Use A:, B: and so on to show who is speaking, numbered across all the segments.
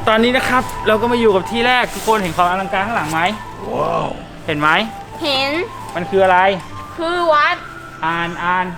A: ตอนนี้นะครับเราก็มาอยู่กับที่แรกทุกคนเห็นความอลังการข้างหลังไหมว้าวเห็นไหม
B: เห็น
A: มันคืออะไร
B: คือวัด
A: อ่าน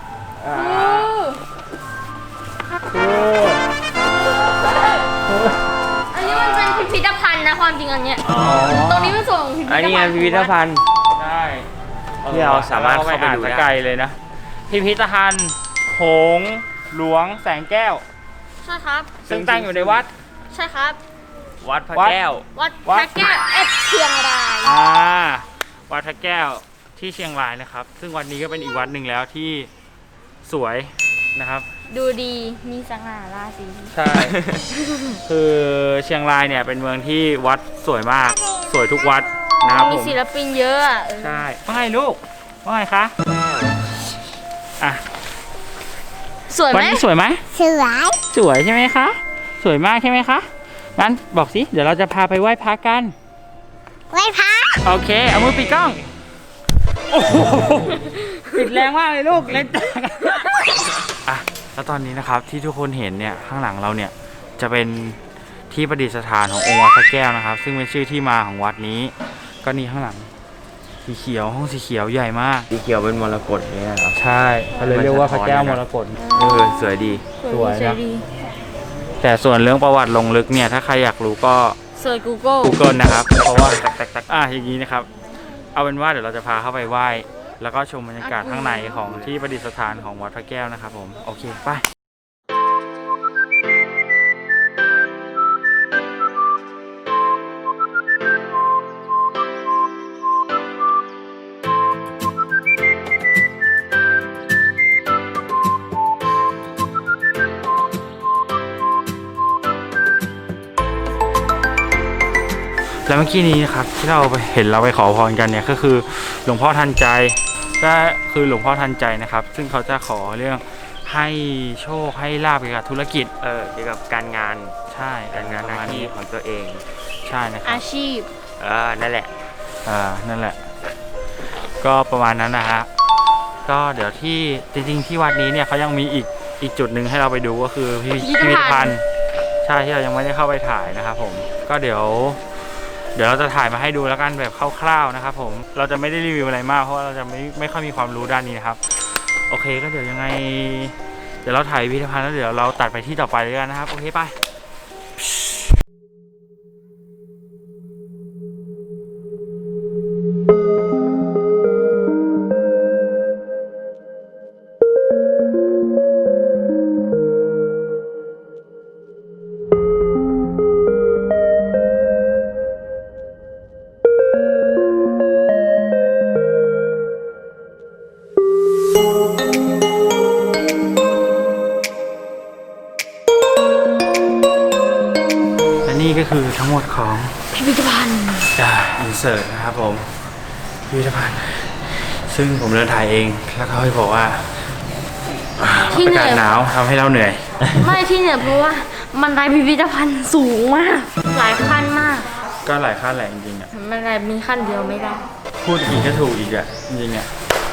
B: อันนี้มันเป็นพิพิธภัณฑ์นะความจริงอันเนี้ยตรงนี้มันส่งพิพิธภัณฑ์
C: อันนี้ไงพิพิธภัณฑ์
A: ใช่
C: ที่เราสามารถเข้าไปดูได้
A: ไกลเลยนะพิพิธภัณฑ์โขงหลวงแสงแก้ว
B: ใช่ครับ
A: ซึ่งตั้งอยู่ในวัด
B: ใช่ครับ
C: วัดพระแก้ว
B: วัดพระแก้วเชียงราย
A: วัดพระแก้วที่เชียงรายนะครับซึ่งวันนี้ก็เป็นอีกวัดหนึ่งแล้วที่สวยนะครับ
B: ดูดีมีสง่าราศี
A: ใช่ คือเชียงรายเนี่ยเป็นเมืองที่วัดสวยมากสวยทุกวัดนะครับผม
B: มีศิลปินเยอะ
A: ใช่ว่าไงลูกว่าไงคะอ่ะ
B: สวยไหม
A: วันนี้สวยไหมสวยใช่ไหมคะสวยมากใช่ไหมคะงั้นบอกสิเดี๋ยวเราจะพาไปไหว้พระกัน
B: ไหว้พระ
A: โอเคเอามือปิดกล้องโอ้โหปิดแรงมากเลยลูกเล่นอ่ะแล้วตอนนี้นะครับที่ทุกคนเห็นเนี่ยข้างหลังเราเนี่ยจะเป็นที่ประดิษฐานขององค์วัดพระแก้วนะครับซึ่งเป็นชื่อที่มาของวัดนี้ก็นี่ข้างหลังสีเขียวห้องสีเขียวใหญ่มาก
C: สีเขียวเป็นมรกตเนี่ยครับ
A: ใช่เขาเลยเรียกว่าพระแก้วมรกต
C: สวยดี
A: สวยนะแต่ส่วนเรื่องประวัติลงลึกเนี่ยถ้าใครอยากรู้ก็
B: เซิร์ช Google
A: นะครับเพราะว่าอย่างนี้นะครับเอาเป็นว่าเดี๋ยวเราจะพาเข้าไปไหว้แล้วก็ชมบรรยากาศข้างในของที่ประดิษฐานของวัดพระแก้วนะครับผมโอเคไปแล้วเมื่อกี้นี้นะครับที่เราเห็นเราไปขอพรกันเนี่ยก็คือหลวงพ่อทันใจก็คือหลวงพ่อทันใจนะครับซึ่งเขาจะขอเรื่องให้โชคให้ลาภเกี่ยวกับธุรกิจ
C: เกี่ยวกับการงาน
A: ใช่
C: การงานหน้าที่ของตัวเอง
A: ใช่นะครับ
B: อาชีพ
C: นั่นแหละ
A: นั่นแหละก็ประมาณนั้นนะฮะก็เดี๋ยวที่จริงๆที่วัดนี้เนี่ยเขายังมีอีกจุดหนึ่งให้เราไปดูก็คือพิพิธภัณฑ์ใช่ที่เรายังไม่ได้เข้าไปถ่ายนะครับผมก็เดี๋ยวเราจะถ่ายมาให้ดูแล้วกันแบบคร่าวๆนะครับผมเราจะไม่ได้รีวิวอะไรมากเพราะเราจะไม่ค่อยมีความรู้ด้านนี้นะครับโอเคก็เดี๋ยวยังไงเดี๋ยวเราถ่ายพิพิธภัณฑ์แล้วเดี๋ยวเราตัดไปที่ต่อไปเลยกันนะครับโอเคไปนี่ก็คือทั้งหมดของ
B: พิพิธภัณฑ์
A: อินเสิร์ตนะครับผมพิพิธภัณฑ์ซึ่งผมเดินถ่ายเองแล้วเขาให้บอกว่าอากาศหนาวทำให้เราเหนื่อย
B: ไม่ที่เหนื่อยเพราะว่ามันไดพิพิธภัณฑ์สูงมากหลายขั้นมาก
A: ก็หลายขั้นแหละจริงๆอ่ะ
B: มันไดมีขั้นเดียวไม่ได้
A: พูดอีกก็ถูกอีกอ่ะจริงๆอ่ะ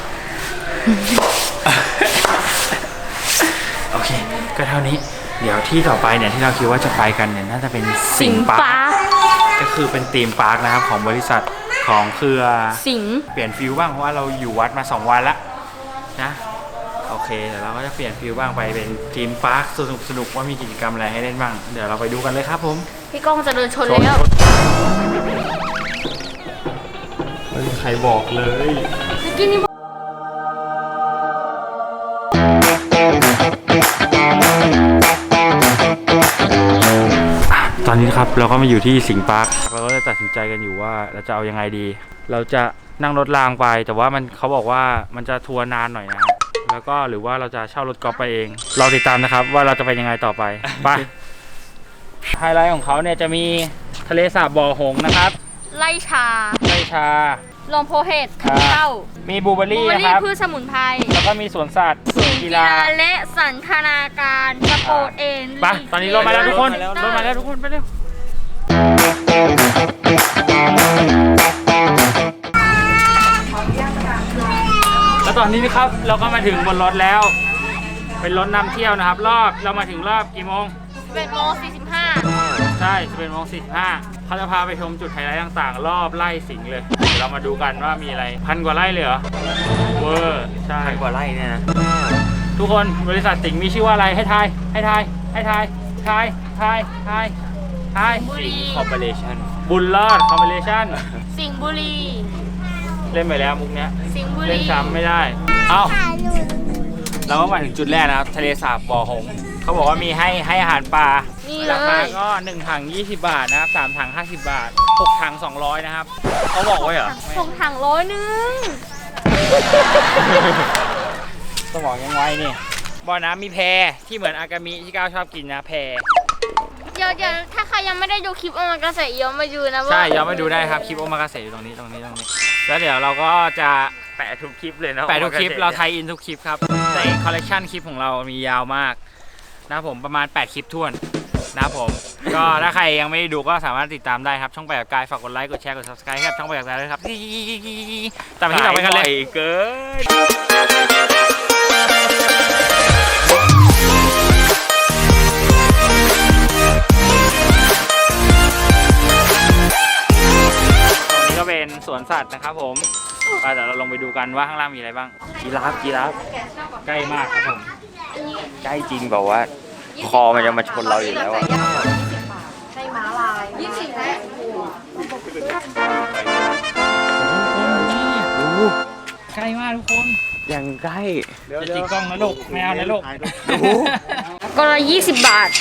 A: โอเคก็เท่านี้เดี๋ยวที่ต่อไปเนี่ยที่เราคิดว่าจะไปกันเนี่ยน่าจะเป็น
B: สิงห์ปาร์ค
A: ก็คือเป็นธีมพาร์คนะครับของบริษัทของเครือ
B: สิงห์
A: เปลี่ยนฟิลบ้างเพราะว่าเราอยู่วัดมา2 วันแล้วนะโอเคเดี๋ยวเราก็จะเปลี่ยนฟิลบ้างไปเป็นธีมพาร์คสนุกว่ามีกิจกรรมอะไรให้เล่นบ้างเดี๋ยวเราไปดูกันเลยครับผม
B: พี่ก้องจะเดินชนแล้ว
A: ไม่มีใครบอกเลย
B: เมื่อกี้นี้
A: ตอนนี้ครับเราก็มาอยู่ที่สิงห์ปาร์คเราก็เลยตัดสินใจกันอยู่ว่าเราจะเอายังไงดีเราจะนั่งรถรางไปแต่ว่าเขาบอกว่ามันจะทัวร์นานหน่อยนะแล้วก็หรือว่าเราจะเช่ารถกอล์ฟไปเองเราติดตามนะครับว่าเราจะไปยังไงต่อไปไปไฮไลท์ของเขาเนี่ยจะมีทะเลสาบบ่อหงนะครับ
B: ไร่ชาลมโพเฮดเข้า
A: มีบลูเบอร์รี่นะครับ
B: พืชสมุนไพร
A: แล้วก็มีสวนสัตว์
B: กีฬาและสันทนาการสปอร์ตเอน
A: ไปตอนนี้รถมาแล้วทุกคนไปเร็วแล้วตอนนี้นะครับเราก็มาถึงบนรถแล้วเป็นรถนำเที่ยวนะครับเรามาถึงรอบกี่โมง
B: 11:45
A: ใช่ช่11:45เขาจะพาไปชมจุดไฮไลท์ต่างๆ รอบไร่สิงห์เลย เดี๋ยวเรามาดูกันว่ามีอะไร1,000 กว่าไร่เลยเหรอเวอร์ใช่
C: 1,000 กว่าไร่เนี่ยนะ
A: ทุกคนบริษัทสิงห์มีชื่อว่าอะไรให้ทาย
C: สิงคอร์ปอเรชั่น
A: บุญรอดคอมบิเนชั่น
B: สิงห์บุรี
A: เล่นไปแล้วมุกเนี้ย
B: สิงห์บุ
A: เล่
B: รี
A: นซ้ำไม่ได้เอ้าเราก็มาถึงจุดแรกนะครับทะเลสาบบ่อหงส์เขาบอกว่ามีให้อาหารปลา
B: นี่เล
A: ราคาย ก็1 ถัง 20 บาทนะครับ3 ถัง 50 บาท6 ถัง 200 นะครับเขาบอกไว้เหรอ
B: 6 ถัง100
A: ต้องบอกยังไงนี่บ่อน้ำมีแพที่เหมือนอากามิที่ก้าวชอบกินนะแพ
B: เดี๋ยวถ้าใครยังไม่ได้ดูคลิปโอมากาเสะย้อนมาดูนะว่า
A: ใช่ย้อนไปดูได้ครับคลิปโอมากาเสะอยู่ตรงนี้แล้วเดี๋ยวเราก็จะ
C: แปะทุกคลิปเลยนะ
A: แปะทุกคลิปเราไทยอินทุกคลิปครับในคอลเลกชันคลิปของเรามียาวมากนะครับผมประมาณ8 คลิปท้วนนะครับผม ก็ถ้าใครยังไม่ได้ดูก็สามารถติดตามได้ครับช่องแปะกับกายฝากกดไลค์กดแชร์กด subscribe ครับช่องแปะกับกายด้วยครับแต่ไปที่ต่อไปกันเลย
C: เกิน
A: ตรงนี้ก็เป็นสวนสัตว์นะครับผมเดี๋ยวเราลงไปดูกันว่าข้างล่างมีอะไรบ้าง
C: กีราฟ
A: ใกล้มากครับผม
C: ใกล้จริงบอกว่า คอมันจะมาชนเราอยู่แล้วอะ
B: ให้ม้าลาย20แล้ว
A: ใกล้มากทุกคน
C: อย่างใกล้
A: จะจิกกล้องนะลูกไม่เอานะลูก
B: ก็ละ20 บาท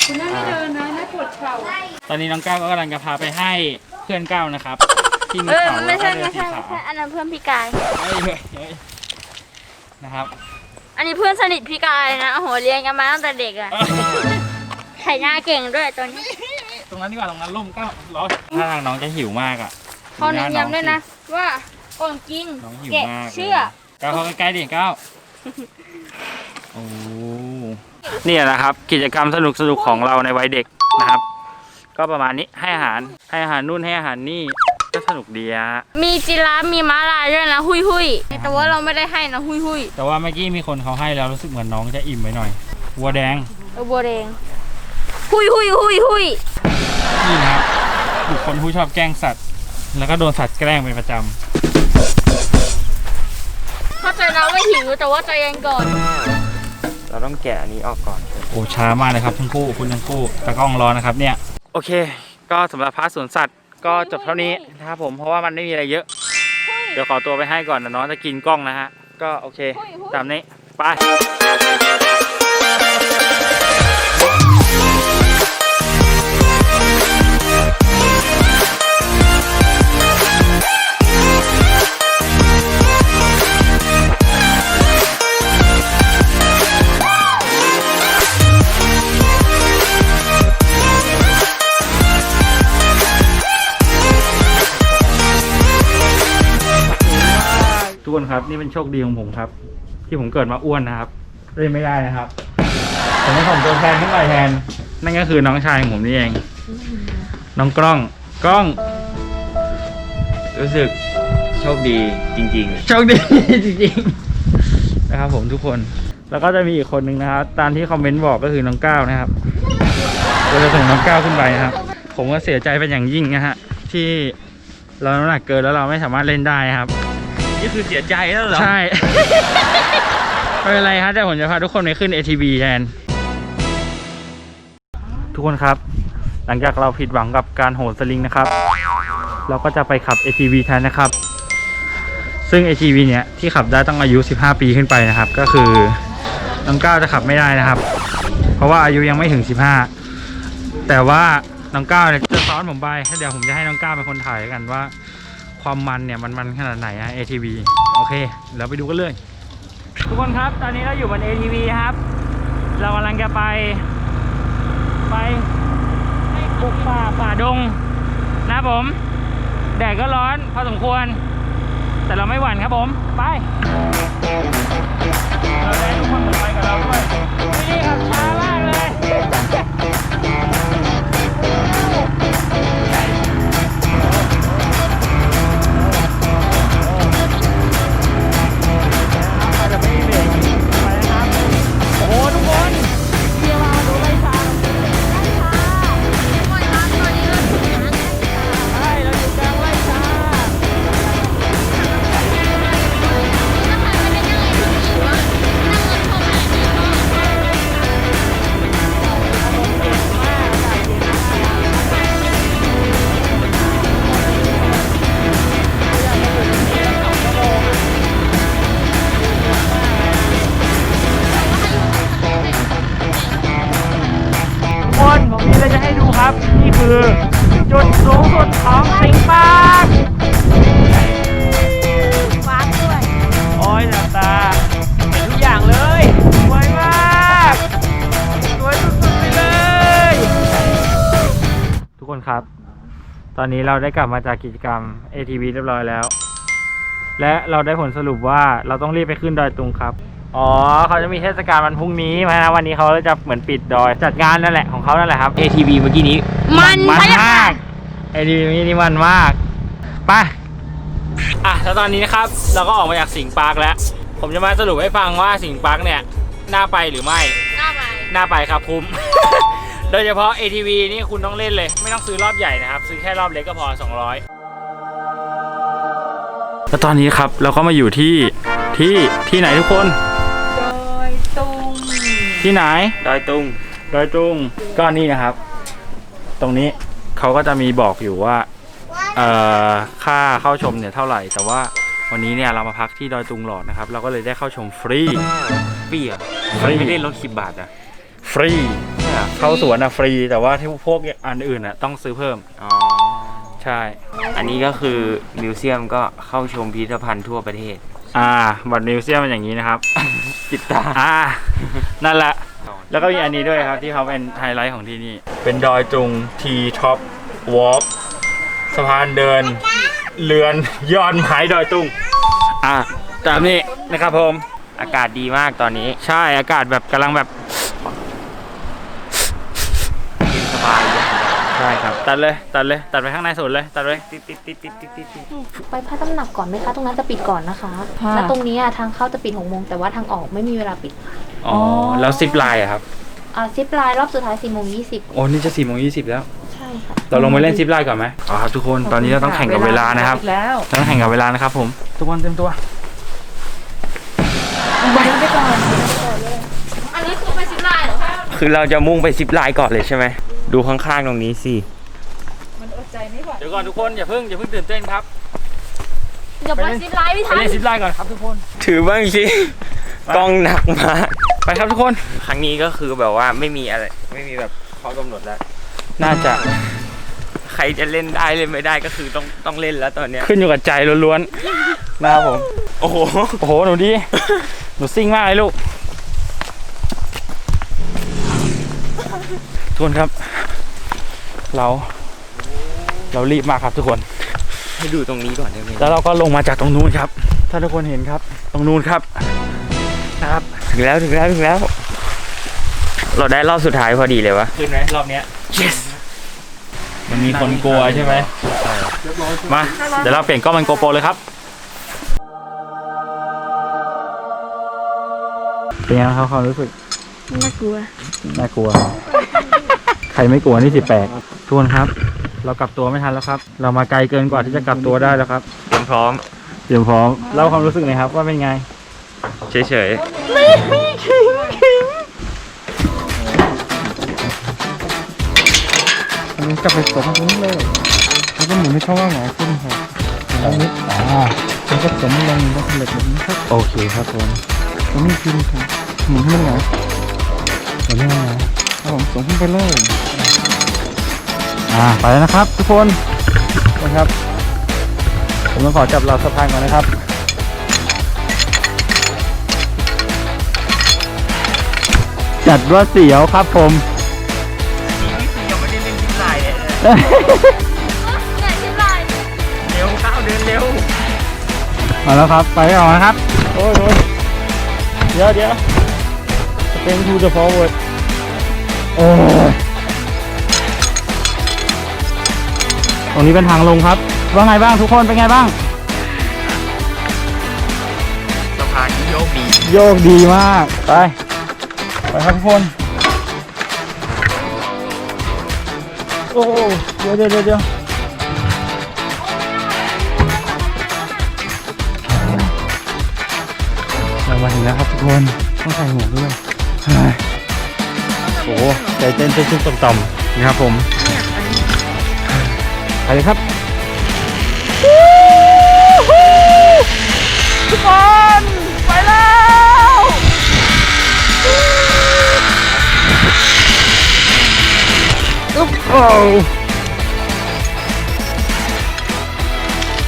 A: ตอนนี้น้องก้าวก็กำลังจะพาไปให้เพื่อนก้าวนะครับ ที่มี
B: มัน
A: เขา
B: ไม่
A: แล้ว
B: ใช่
A: ก็เดินสีขาว
B: อันนั้นเพื่อนพี่กาย
A: เฮ้ยนะครับ
B: อันนี้เพื่อนสนิทพี่กายนะโอ้โหเรียนกันมาตั้งแต่เด็กอะไถหน้าเก่งด้วยตัวนี้
A: ตรงนั้นดีกว่าตรงนั้นร่มก้าวร้อนถ้าทางน้องจะหิวมากอ่ะ
B: เขาเน้นย้ำด้วยนะ ว่าก่อนกิน
A: น้องหิว
B: แกะ
A: มาก
B: เชื่อ
A: ก้าวเข้าใกล้ๆดิก้าวโอ้เนี่ยนะครับกิจกรรมสนุกของเราในวัยเด็กนะครับ ก็ประมาณนี้ให้อาหารนู่นให้อาหารนี่ก็สนุกดีฮะ
B: มีจิราฟมีม้าลายด้วยนะหุยแต่ว่าเราไม่ได้ให้นะหุย
A: แต่ว่าเมื่อกี้มีคนเขาให้แล้วรู้สึกเหมือนน้องจะอิ่มไปหน่อยวัวแดง
B: บัวแดงหุย
A: นี่นะครับบุคคลผู้ชอบแกล้งสัตว์ แล้วก็โดนสัตว์แกล้งเป็นประจ
B: เข้าใจนะว่าหิวแต่ว่าใจเย็นก่อน
C: เราต้องแกะอันนี้ออกก่อน
A: ำโอ้ช้ามากเลยครับทั้งคู่คุณทั้งคู่ตะกล้องร้อนนะครับเนี่ยโอเค ก็สำหรับพาร์ทสวนสัตว์ก็จบเท่านี้นะครับผมเพราะว่ามันไม่มีอะไรเยอะ เดี๋ยวขอตัวไปให้ก่อนนะน้องจะกินกล้องนะฮะก็โอเคตามนี้ไปทุกคนครับนี่เป็นโชคดีของผมครับ ที่ผมเกิดมาอ้วนนะครับเล่นไม่ได้นะครับผมต้องส่งตัวแทนขึ้นไปแทนนั่นก็คือน้องชายของผมนี่เองน้องกล้อง
C: รู้สึกโชคดีจริง
A: โชคดี จริงๆนะครับผมทุกคนแล้วก็จะมีอีกคนหนึ่งนะครับตามที่คอมเมนต์บอกก็คือน้องก้าวนะครับเราจะส่งน้องก้าวขึ้นไปนะครับ ผมก็เสียใจเป็นอย่างยิ่งนะฮะที่เราน้ำหนักเกินแล้วเราไม่สามารถเล่นได้นะครับ
C: ๆ นี่คือเสียใจแล้วเหรอ
A: ใช่ ไม่เป็นไรครับแต่ผมจะพาทุกคนไปขึ้น ATV แทนทุกคนครับ หลังจากเราผิดหวังกับการโหนสลิงนะครับ เราก็จะไปขับ ATV แทนนะครับ ซึ่ง ATV เนี้ยที่ขับได้ต้องอายุ15 ปีขึ้นไปนะครับ ก็คือน้องก้าวจะขับไม่ได้นะครับ เพราะว่าอายุยังไม่ถึง15แต่ว่าน้องก้าวเนี่ยจะซ้อนผมไปเดี๋ยวผมจะให้น้องก้าวเป็นคนถ่ายกันว่า ความมันเนี่ยมันขนาดไหนฮะ ATV โอเคเราไปดูกันเลยทุกคนครับตอนนี้เราอยู่บน ATV ครับเรากำลังจะไปบุกป่าดงนะครับผมแดดก็ร้อนพอสมควรแต่เราไม่หวั่นครับผมไปเราได้ทุกคนเหมือนไปกับเราด้วยนี่ครับช้ามากเลยโอ้โหทุกคนเดี๋ยวมาดูไล่ช้า
B: ตอนนี้
A: คือจุดสูงสุดของสิงห์ปาร์ค
B: ว้าวด้วย
A: โอ้ยตาเห็นทุกอย่างเลยสวยมากสวยสุดๆไปเลย ทุกคนครับ ตอนนี้เราได้กลับมาจากกิจกรรม ATV เรียบร้อยแล้ว และเราได้ผลสรุปว่าเราต้องรีบไปขึ้นดอยตุงครับ อ๋อเขาจะมีเทศกาลวันพรุ่งนี้มานะวันนี้เขาจะเหมือนปิดดอยจัดงานนั่นแหละของเขานั่นแหละครับ
C: ATV เมื่อกี้นี้
B: มัน
A: มัน
B: ใช่ไหม
A: มาก ATV นี่มันมากไปแล้วตอนนี้นะครับเราก็ออกมาจากสิงห์ปาร์คแล้ว ผมจะมาสรุปให้ฟังว่าสิงห์ปาร์คเนี่ยน่าไปหรือไม่ น่าไปครับคุ้ม โดยเฉพาะ ATV นี่คุณต้องเล่นเลยไม่ต้องซื้อรอบใหญ่นะครับซื้อแค่รอบเล็กก็พอ200แล้วตอนนี้ครับเราก็มาอยู่ที่ไหนทุกคนดอยตุงที่ไหน
C: ดอยตุง
A: ดอยตุงก็นี่นะครับ ตรงนี้เขาก็จะมีบอกอยู่ว่าค่าเข้าชมเนี่ยเท่าไหร่แต่ว่าวันนี้เนี่ยเรามาพักที่ดอยตุงหลอดนะครับเราก็เลยได้เข้าชมฟรี
C: ฟรีอ่ะ
A: ฟรี
C: ไม่ได้ลด10 บาทอ่ะ
A: ฟรีเข้าสวนฟรีแต่ว่าที่พวกอันอื่นต้องซื้อเพิ่ม
C: อ๋อ
A: ใช่
C: อันนี้ก็คือมิวเซียมก็เข้าชมพิพิธภัณฑ์ทั่วประเทศ
A: บัตรมิวเซียมเป็นอย่างนี้นะครับ
C: ปิดตา
A: นั่นแหละแล้วก็มีอันนี้ด้วยครับที่เขาเป็นไฮไลท์ของที่นี่เป็นดอยตุงทีท็อปวอล์กสะพานเดินเรือนยอดไม้ดอยตุงตามนี้นะครับผม
C: อากาศดีมากตอนนี้
A: ใช่อากาศแบบกำลังแบบ
C: เย็นสบายเลย
A: ใช่ครับตัดไปข้างในสุดเลยตัดเลย
C: ติด
D: ไปพระตำหนักก่อนไหมคะ ตรงนั้นจะปิดก่อนนะคะ แล้วตรงนี้ทางเข้าจะปิด6 โมงแต่ว่าทางออกไม่มีเวลาปิด
A: อ๋อแล้วซิปไลน์อะครับ
D: ซิปไลน์รอบสุดท้าย4 โมง 20
A: โอ้นี่จะ4:20แล้ว
D: ใช่ค่ะ
A: เราลงไปเล่นซิปไลน์ก่อนไหมครับทุกคนตอนนี้เราต้องแข่งกับเวลานะครับเราต้องแข่งกับเวลานะครับผมทุกคนเต็มตัว
B: อันนี้คือไปซิปไลน์เหรอคะ
C: คือเราจะมุ่งไปซิปไลน์ก่อนเลยใช่ไหมดูข้างๆตรงนี้สิ
A: เดี๋ยวก่อนทุกคนอย่าเพิ่งตื่นเต้นครับ
B: เดี๋ยวไปซิปไลน์ไม่
A: ไป
B: ทัน
A: เล่นซิปไลน์ก่อนครับทุกคน
C: ถือบ้างสิกล้องหนักมาก
A: ไปครับทุกคน
C: ครั้งนี้ก็คือแบบว่าไม่มีอะไรไม่มีแบบข้อกำหนดแล้ว
A: น่าจะ
C: ใครจะเล่นได้เล่นไม่ได้ก็คือต้องเล่นแล้วตอนเนี้ย
A: ขึ้นอยู่กับใจล้วนๆนะครับผม
C: โอ้โห
A: โอ้โหหนูดีหนูซิ่งมากเลยลูกทุกคนครับเรารีบมากครับทุกคน
C: ให้ดูตรงนี้ก่อนได้ไหม
A: แล้วเราก็ลงมาจากตรงนู้นครับถ้าทุกคนเห็นครับตรงนู้นครับนะครับ
C: ถึงแล้วเราได้รอบสุดท้ายพอดีเลยวะ
A: ขึ้นไหมรอบเนี้ย yes มันมีคนกลัวใช่ไหมมาเดี๋ยวเราเปลี่ยนกล้องเป็นโกโปรเลยครับเป็นยังไงครับความรู้สึก
B: น่ากลัว
A: น่ากลัว ใครไม่กลัวนี่สิแปลกทุกคนครับ เรากลับตัวไม่ทันแล้วครับ เรามาไกลเกินกว่าที่จะกลับตัวได้แล้วครับ
C: เตรียมพร้อม
A: เตรียมพร้อมเล่าความรู้สึกหน่อยครับว่าเป็นไง
C: เฉย
E: อันนี้กลับไปตกตรงนี้เลยแล้วก็หมุนให้เขาว่าหงายขึ้นครับอันนี้แล้วก็สมลงแล้วสำเร็จแบบนี้ครับ
A: โอเคครับผม
E: ตรงนี้ขึ้นครับหมุนให้มันหงายหมุนให้มันหงายครับผมส่งขึ้นไปเลย
A: ไปแล้วนะครับทุกคนนะครับผมต้องขอจับเราสะพานก่อนนะครับจัดว่าเสียวครับผม
C: ๆยังไม่ได้เล่นซิปไลน์เลย
B: ไหนซิปไลน์
C: เร็วก้าวเดินเร็ว
A: มาแล้วครับไปก่อนนะครับโอ้ยเดี๋ยวเป็น to the forward โอ้ยตรงนี้เป็นทางลงครับว่าไงบ้างทุกคนเป็นไงบ้าง
C: สะพานที่โยกดี
A: โยกดีมากไปครับทุกคนโอ้เดี๋ยวเรามาถึงแล้วครับทุกคนต้องใส่หมวกด้วยโอ้ใจเต้นตุ้มๆต่ำๆนะครับผมไปเลยครับทุกคนไปแล้วโอ้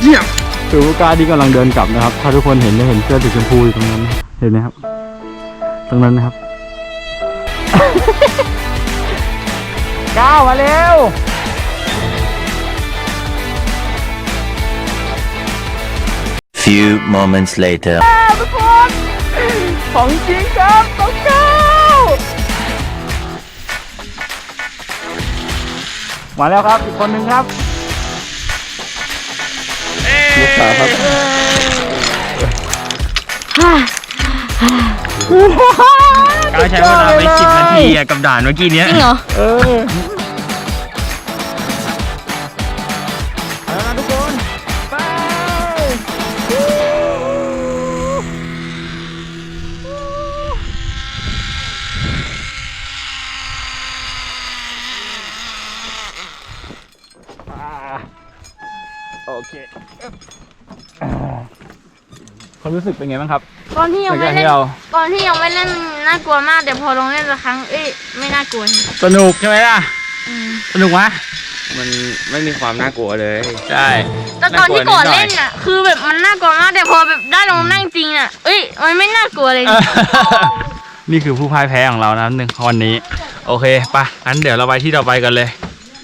E: เยี่ยมคือผู้กล้าที่กำลังเดินกลับนะครับถ้าทุกคนเห็นจะเห็นเสื้อสีชมพูอยู่ตรงนั้นเห็นไหมครับตรงนั้นนะครับ ก้าวมาเร็ว
F: Few moments later.
E: ทุกคนของจริงครับต้องก้าวมาแล้วครับอีกคนหนึ่งครับลูกสาวครับ
C: ก้าวใช้เวลาไป10 นาทีกับด่านเมื่อกี้เนี้ย
B: จริงเหรอ
E: เออเอาละทุกคนไปโอเคความรู้สึกเป็นไงบ้างครับ
B: ตอนที่
E: ห
B: ยั
E: ลั
B: ง
E: ง
B: ไม่
E: จาก
B: เล่
E: ที่
B: น
E: เรา
B: ตอนที่ยังไม่เล่นน่ากลัวมากแต่พอลงเล่นสักครั้งไม่น่ากลัว
E: สนุกใช่ไหมล่ะ สนุกไหม
C: มันไม่มีความน่ากลัวเลย
E: ใช่
B: แต่ตอนที่ก่อนเล่นอ่ะคือแบบมันน่ากลัวมากแต่พอแบบได้ลงนั่งจริงอ่ะมันไม่น่ากลัวเลย
E: นี่คือผู้พ่ายแพ้ของเรานะวันนี้ โอเคปะงั้นเดี๋ยวเราไปที่ต่อไปกันเลย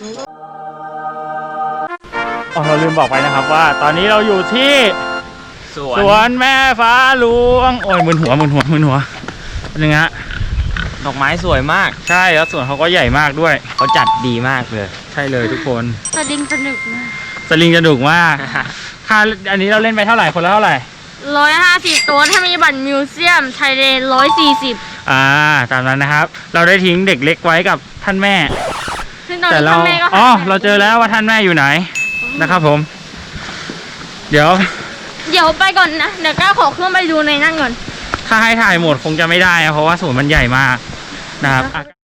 E: เราลืมบอกไปนะครับว่า ตอนนี้เราอยู่ที่สวนแม่ฟ้าหลวงโอ้ยมึนหัวเป็นยังไงฮะ
C: ดอกไม้สวยมาก
E: ใช่แล้วสวนเขาก็ใหญ่มากด้วย
C: เขาจัดดีมากเลย
E: ใช่เลยทุกคน
B: สลิงสนุกมาก
E: สลิงจะดุมากค่าอันนี้เราเล่นไปเท่าไหร่คนละเท่าไหร่
B: 150 ตัวถ้ามีบัตรมิวเซียมไทยเลน140
E: ตามนั้นนะครับ เราได้ทิ้งเด็กเล็กไว้กับท่านแม่
B: ซึ่งตอน
E: แต่
B: นี้
E: เรา
B: ท่านแม่ก็
E: เราเจอแล้วว่าท่านแม่อยู่ไหนนะครับผม เดี๋ยว
B: ไปก่อนนะเดี๋ยวก้าวขอเครื่องไปดูในนั่นก่อน
E: ถ้าให้ถ่ายหมดคงจะไม่ได้นะเพราะว่าสวนมันใหญ่มากนะครับ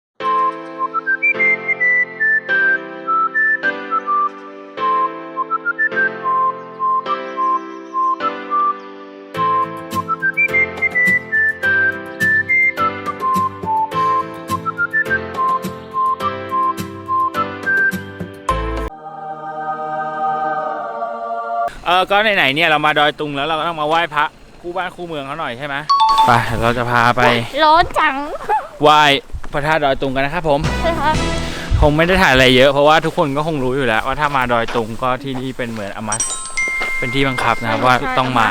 E: ก็ไหนๆเนี่ยเรามาดอยตุงแล้วเราก็ต้องมาไหว้พระคู่บ้านคู่เมืองเขาหน่อยใช่ไหมไปเราจะพาไป
B: ร้อนจัง
E: ไหว้พระธาตุดอยตุงกันนะครับผม
B: ใช่ครับ
E: คงไม่ได้ถ่ายอะไรเยอะเพราะว่าทุกคนก็คงรู้อยู่แล้วว่าถ้ามาดอยตุงก็ที่นี่เป็นเหมือนอมัสเป็นที่บังคับนะครับว่าต้องมา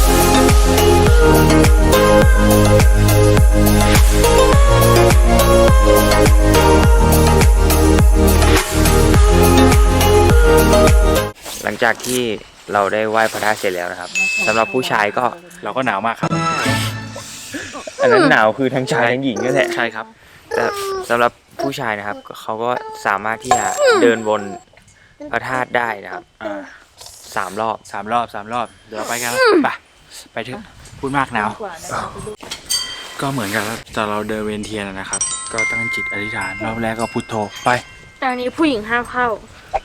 C: หลังจากที่เราได้ไหว้พระธาตุเสร็จแล้วนะครับสำหรับผู้ชายก็
E: เราก็หนาวมากครับ
C: อันนั้นหนาวคือทั้งชายทั้งหญิงก็แหละ
E: ใช่ครับ
C: แต่สำหรับผู้ชายนะครับเขาก็สามารถที่จะเดินบนพระธาตุได้นะครับ3 รอบ
E: 3 รอบเดี๋ยวไปกันไปเถอะพูดมากหนาวก็เหมือนกับตอนเราเดินเวียนเทียนนะครับ ก็ตั้งจิตอธิษฐานรอบแรกก็พุทโธไป
B: แต่อันนี้ผู้หญิงห้ามเข้า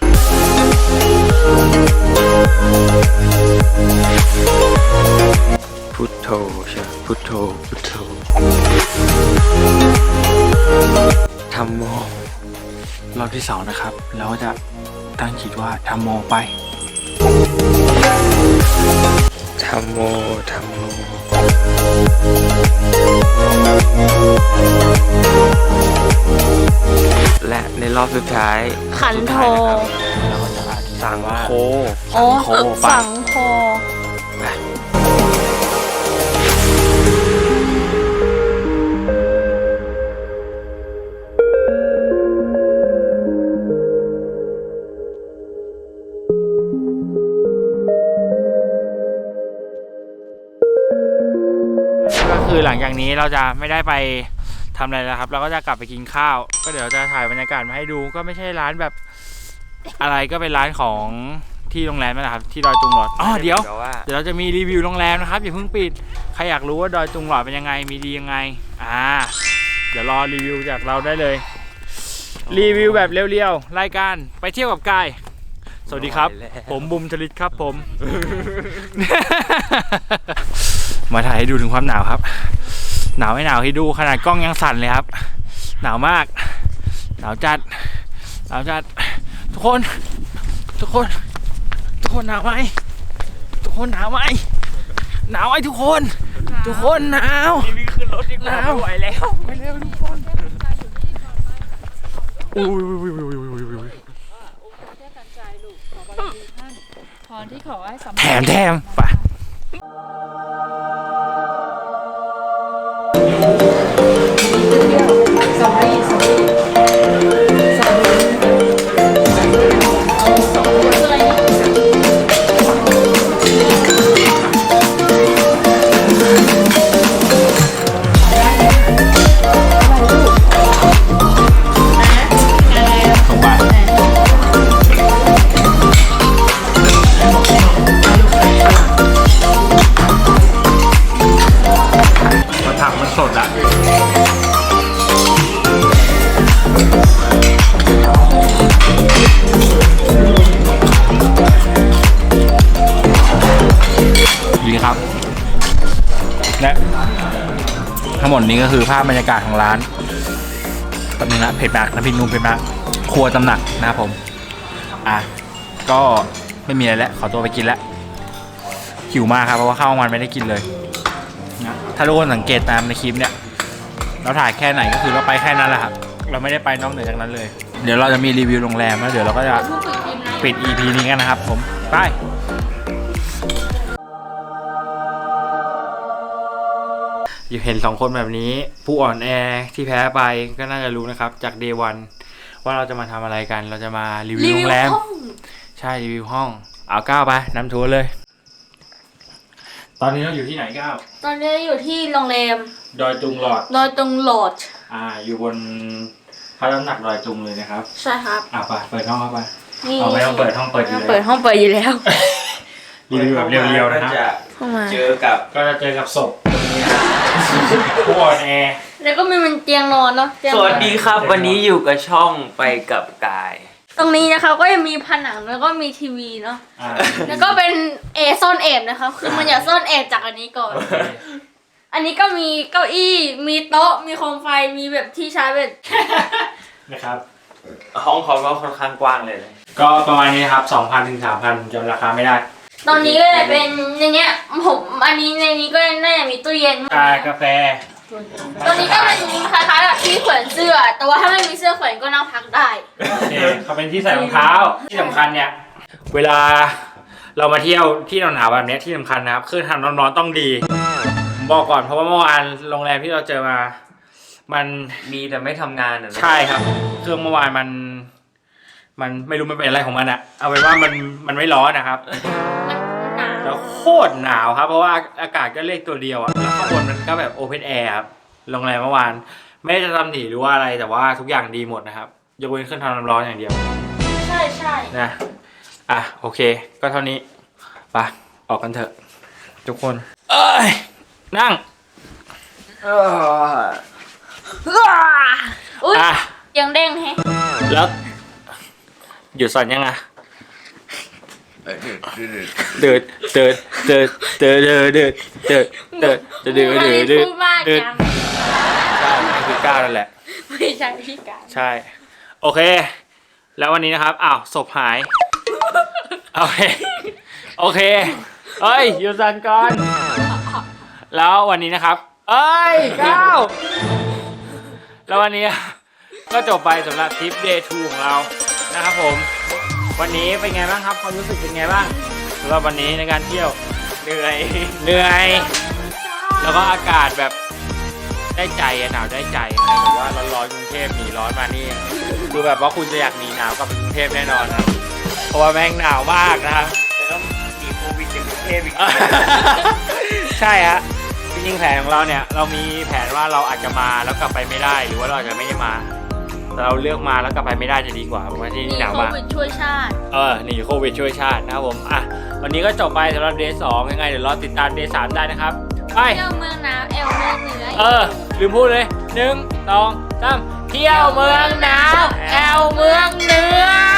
E: พุทโธใช่พุทโธธัมโมรอบที่2นะครับเราก็จะตั้งจิตว่าธัมโมไป
C: ธัมโม และในรอบสุดท้าย
B: ขันโท
E: เราก็จะอธิษฐา
C: สั
E: น
C: ง
E: ว่า
C: โฆ
B: สังโฆ
E: ก็คือหลังจากนี้เราจะไม่ได้ไปทำอะไรแล้วครับ เราก็จะกลับไปกินข้าว ก็เดี๋ยวจะถ่ายบรรยากาศมาให้ดูก็ไม่ใช่ร้านแบบอะไรก็เป็นร้านของที่โรงแรมนั่นแหละครับที่ดอยตุงหลอดเดี๋ยวเราจะมีรีวิวโรงแรมนะครับอย่าเพิ่งปิดใครอยากรู้ว่าดอยตุงหลอดเป็นยังไงมีดียังไงเดี๋ยวรอรีวิวจากเราได้เลย รีวิวแบบเรียวๆรายการไปเที่ยวกับกายสวัสดีครับผมบุมชลิตครับผม มาถ่ายให้ดูถึงความหนาวครับหนาวไม่หนาวให้ดูขนาดกล้องยังสั่นเลยครับหนาวมากหนาวจัดทุกคนหนาวไหมกคนหนาวไหมหนาวไหมทุกคนหนาวนี่ขึ้นรถดีกว่าไหวแล้วทุกคนอุ้ยแถมไปผักมันสดอะดีครับและทั้งหมดนี้ก็คือภาพบรรยากาศของร้านตำนึงนะเผ็ดมากน้ำพริกนุ่มเผ็ดมากครัวตำหนักนะครับผมก็ไม่มีอะไรแล้วขอตัวไปกินแล้วหิวมากครับเพราะว่าข้าวมันไม่ได้กินเลยนะถ้าทุกคนสังเกตตามในคลิปเนี่ยเราถ่ายแค่ไหนก็คือเราไปแค่นั้นแหละครับเราไม่ได้ไปนอกเหนือจากนั้นเลยเดี๋ยวเราจะมีรีวิวโรงแรมแล้วเดี๋ยวเราก็จะปิด EP นี้กันนะครับผมไปอยู่เห็น2คนแบบนี้ผู้อ่อนแอที่แพ้ไปก็น่าจะรู้นะครับจาก Day 1ว่าเราจะมาทำอะไรกันเราจะมารีวิวโรงแรมใช่รีวิวห้องเอาก้าวไปนำทัวร์เลยตอนนี้เราอยู่ที่ไหนก้าว
B: ตอนนี้อยู่ที่โรงแรม
E: ดอยตุงหลอดอยู่บนพระตำหนักดอยตุงเลยนะครับ
B: ใช่ครับ
E: ไปเปิดห้องเข้าไปไม่ต้องเปิดห้องเปิดอยู่แล้ว
B: เปิดห้องเปิดอยู่แล้ว
E: รีวิวแบบเรียวๆนะครับ
C: ก็จะเจอกับ
E: ศพผู้อ่อนแอ
B: แล้วก็มีมันเตียงนอนเนาะ
C: สวัสดีครับวันนี้อยู่กับช่องไปกับกาย
B: ตรงนี้นะคะก็ยังมีผนังแล้วก็มีทีวีเนาะแล้วก็เป็นซ่อนแอบนะคะคือมันอยากซ่อนแอบจากอันนี้ก่อน อันนี้ก็มีเก้าอี้มีโต๊ะมีโคมไฟมีแบบที่ชาร์จแบต
E: นะครับ
C: ห้องเขาก็ค่อนข้างกว้างเลย
E: ก็ประมาณนี้ครับ 2,000 ถึง 3,000 จำราคาไม่ได้
B: ตอนนี้ก็จะเป็นอย่างเงี้ยผมอันนี้ในนี้ก็น่าจะมีตู้เย็น
E: กาแฟ
B: ตอนนี้ก็เป็นคล้ายๆแบบที่แขวนเสื้อแต่ว่าถ้าไม่มีเสื้อแขวนก็นั่งพักได้
E: โอเคเขาเป็นที่ใส่รองเท้าที่สำคัญเนี่ยเวลาเรามาเที่ยวที่หนาวๆแบบนี้ที่สำคัญนะครับเครื่องทำร้อนๆต้องดีบอกก่อนเพราะว่าเมื่อวานโรงแรมที่เราเจอมามัน
C: มีแต่ไม่ทำงาน
E: ใช่ครับเครื่องเมื่อวานมันไม่รู้มันเป็นอะไรของมันอะเอาเป็นว่ามันไม่ร้อนนะครับแล้วโคตรหนาวครับเพราะว่าอากาศก็เลขตัวเดียวอะแล้วข้างบนมันก็แบบโอเพนแอร์ครับโรงแรมเมื่อวานไม่ได้จะทำหนีหรือว่าอะไรแต่ว่าทุกอย่างดีหมดนะครับยกเว้นเครื่องทำน้ำร้อนอย่างเดียว
B: ใช่
E: นะโอเคก็เท่านี้ไปออกกันเถอะทุกคนนั่ง
B: ยังเด้งแฮะ
E: แล้วหยุดสั่นยังเดินใช่คือก้าวนั่นแหละ
B: ไม่ใช่พี่ก้าว
E: ใช่โอเคแล้ววันนี้นะครับศพหายโอเคเฮ้ยหยุดสั่นก่อนแล้ววันนี้นะครับก้าวแล้ววันนี้ก็จบไปสำหรับทริป Day 2 ของเรานะครับผมวันนี้เป็นไงบ้างครับความรู้สึกเป็นไงบ้างสำหรับวันนี้ในการเที่ยวเหนื่อยแล้วก็อากาศแบบได้ใจหนาวได้ใจใครบอกว่าร้อนกรุงเทพหนีร้อนมานี่คือแบบว่าคุณจะอยากหนีหนาวกับกรุงเทพแน่นอนครับเพราะว่าแม่งหนาวมากนะครับ
C: แต่ต้องหนีโควิดจากกรุงเทพอีก
E: ใช่ฮะจริงๆแผนของเราเนี่ยเรามีแผนว่าเราอาจจะมาแล้วกลับไปไม่ได้หรือว่าเราอาจจะไม่ได้มาแต่เราเลือกมาแล้วกลับไปไม่ได้จะดีกว่าเพราะว่าที่นี่หนาวมาก
B: โควิดช่วยชาติ
E: หนีโควิดช่วยชาตินะครับผมวันนี้ก็จบไปสำหรับ Day 2ยังไงเดี๋ยวรอติดตาม Day 3ได้นะครับไป
B: เที่ยวเมืองหนาวเมืองเหนือ
E: ลืมพูดเลย1 2 3เที่ยวเมืองหนาวเมืองเหนือ